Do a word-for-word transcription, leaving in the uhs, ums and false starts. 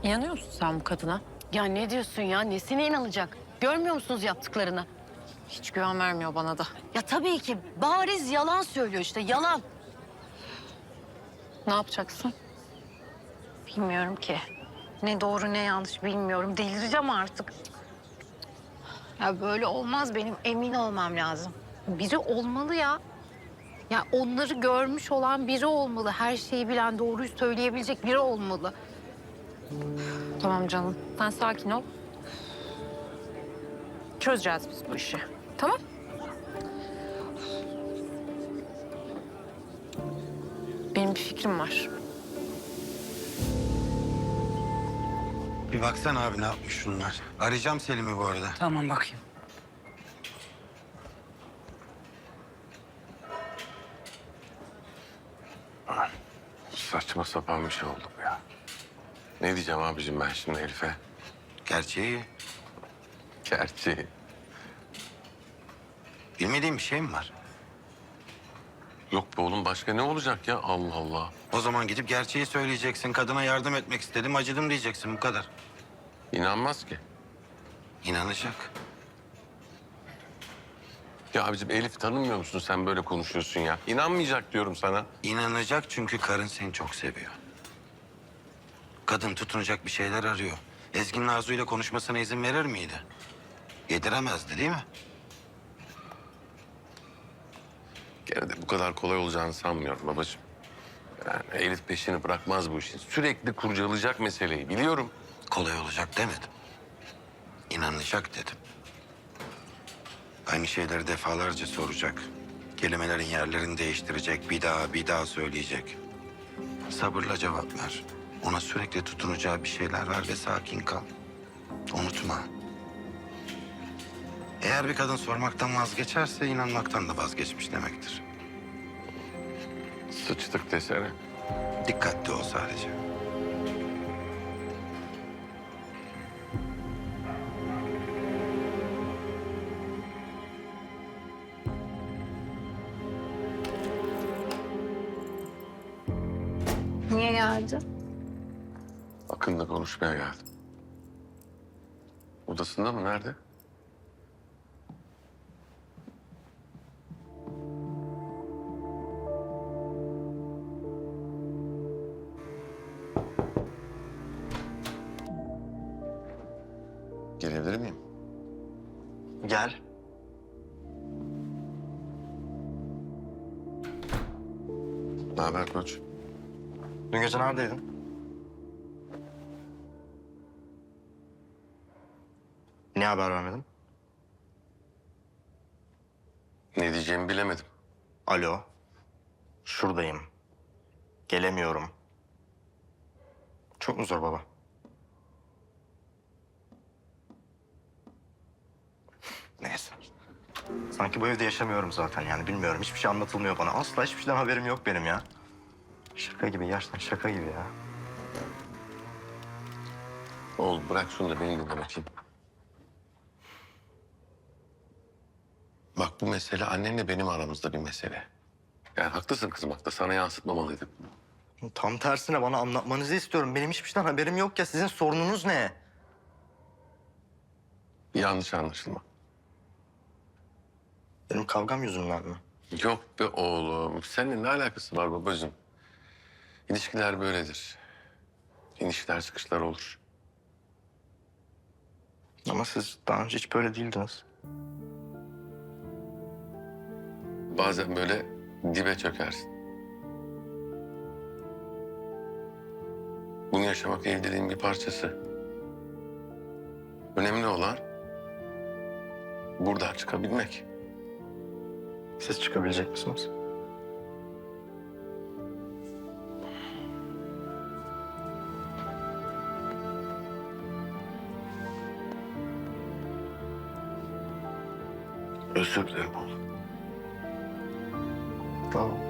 İnanıyor musun sen bu kadına? Ya ne diyorsun ya? Nesine inanacak? Görmüyor musunuz yaptıklarını? Hiç güven vermiyor bana da. Ya tabii ki bariz yalan söylüyor işte yalan. Ne yapacaksın? Bilmiyorum ki. Ne doğru ne yanlış bilmiyorum. Delireceğim artık. Ya böyle olmaz, benim emin olmam lazım. Biri olmalı ya. Ya onları görmüş olan biri olmalı. Her şeyi bilen, doğruyu söyleyebilecek biri olmalı. Tamam canım. Sen sakin ol. Çözeceğiz biz bu işi. Tamam? Benim bir fikrim var. Bir baksana abi ne yapmış şunlar. Arayacağım Selim'i bu arada. Tamam bakayım. Saçma sapan bir şey oldu bu ya. Ne diyeceğim abicim ben şimdi Elif'e? Gerçeği Gerçi bilmediğim bir şey mi var? yok be oğlum, başka ne olacak ya, Allah Allah. O zaman gidip gerçeği söyleyeceksin. Kadına yardım etmek istedim, acıdım diyeceksin bu kadar. İnanmaz ki. İnanacak. Ya abicim Elif tanımıyor musun, sen böyle konuşuyorsun ya. İnanmayacak diyorum sana. İnanacak çünkü karın seni çok seviyor. Kadın tutunacak bir şeyler arıyor. Ezgi'nin Arzu'yla konuşmasına izin verir miydi? Yediremezdi değil mi? Gene de bu kadar kolay olacağını sanmıyorum babacığım. Yani Elif peşini bırakmaz bu işin. Sürekli kurcalayacak meseleyi, biliyorum. Kolay olacak demedim. İnanacak dedim. Aynı şeyleri defalarca soracak. Kelimelerin yerlerini değiştirecek. Bir daha bir daha söyleyecek. Sabırla cevap ver. Ona sürekli tutunacağı bir şeyler ver ve sakin kal. Unutma. Eğer bir kadın sormaktan vazgeçerse inanmaktan da vazgeçmiş demektir. Sıçtık desene. Dikkatli ol sadece. Niye geldi? Akın'la konuşmaya geldim. Odasında mı, nerede? Gelebilir miyim? Gel. Ne haber koç? Dün gece neredeydin? Niye haber vermedin? Ne diyeceğimi bilemedim. Alo. Şuradayım. Gelemiyorum. Çok mu zor baba? Neyse. Sanki bu evde yaşamıyorum zaten yani bilmiyorum. Hiçbir şey anlatılmıyor bana. Asla hiçbir şeyden haberim yok benim ya. Şaka gibi, gerçekten şaka gibi ya. Oğlum bırak şunu da beni dinle bakayım. Bak bu mesele annenle benim aramızda bir mesele. Yani haklısın kızım, bak da sana yansıtmamalıydım. Tam tersine bana anlatmanızı istiyorum. Benim hiçbir şeyden haberim yok ya. Sizin sorununuz ne? Yanlış anlaşılma. Benim kavgam yüzünden mi? Yok be oğlum. Seninle ne alakası var babacığım? İlişkiler böyledir. İnişler çıkışlar olur. Ama siz daha önce hiç böyle değildiniz. Bazen böyle dibe çökersin. Bunu yaşamak evliliğin bir parçası. Önemli olan buradan çıkabilmek. Siz çıkabilecek misiniz? Özür dilerim oğlum. Tamam.